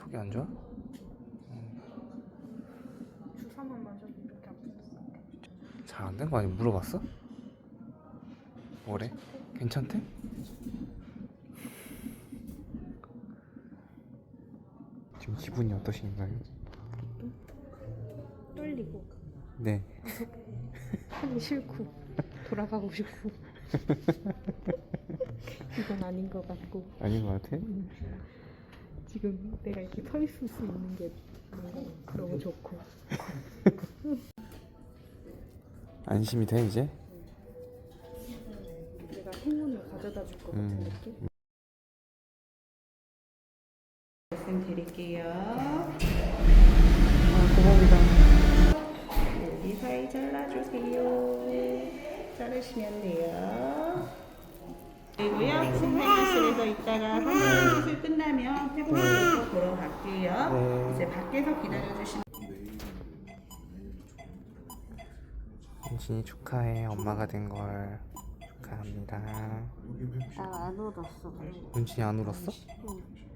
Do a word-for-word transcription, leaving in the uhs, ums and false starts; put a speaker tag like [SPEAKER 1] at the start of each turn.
[SPEAKER 1] 그게 안 좋아?
[SPEAKER 2] 주사만 맞아도 이렇게 아프겠어.
[SPEAKER 1] 잘 안 된 거 아니야? 물어봤어? 뭐래? 괜찮대? 지금 기분이 어떠신가요?
[SPEAKER 2] 떨리고
[SPEAKER 1] 네.
[SPEAKER 2] 하기 싫고 돌아가고 싶고 이건 아닌 것 같고
[SPEAKER 1] 아닌 것 같아?
[SPEAKER 2] 지금 내가 이렇게 서 있을 수 있는 게 너무 좋고
[SPEAKER 1] 안심이 돼 이제?
[SPEAKER 2] 내가 행운을 가져다 줄 것 같은
[SPEAKER 1] 음.
[SPEAKER 2] 느낌?
[SPEAKER 3] 말씀드릴게요.
[SPEAKER 1] 아 고맙습니다.
[SPEAKER 3] 여기 사이 잘라주세요. 자르시면 돼요. 그리고요. 신생아실에서 있다가 한번 수술 끝나면 회복실로 보러 갈게요.
[SPEAKER 1] 네.
[SPEAKER 3] 이제 밖에서 기다려주시면
[SPEAKER 1] 은진이 축하해. 엄마가 된 걸 축하합니다.
[SPEAKER 2] 나 안 울었어.
[SPEAKER 1] 은진이 안 울었어?
[SPEAKER 2] 응.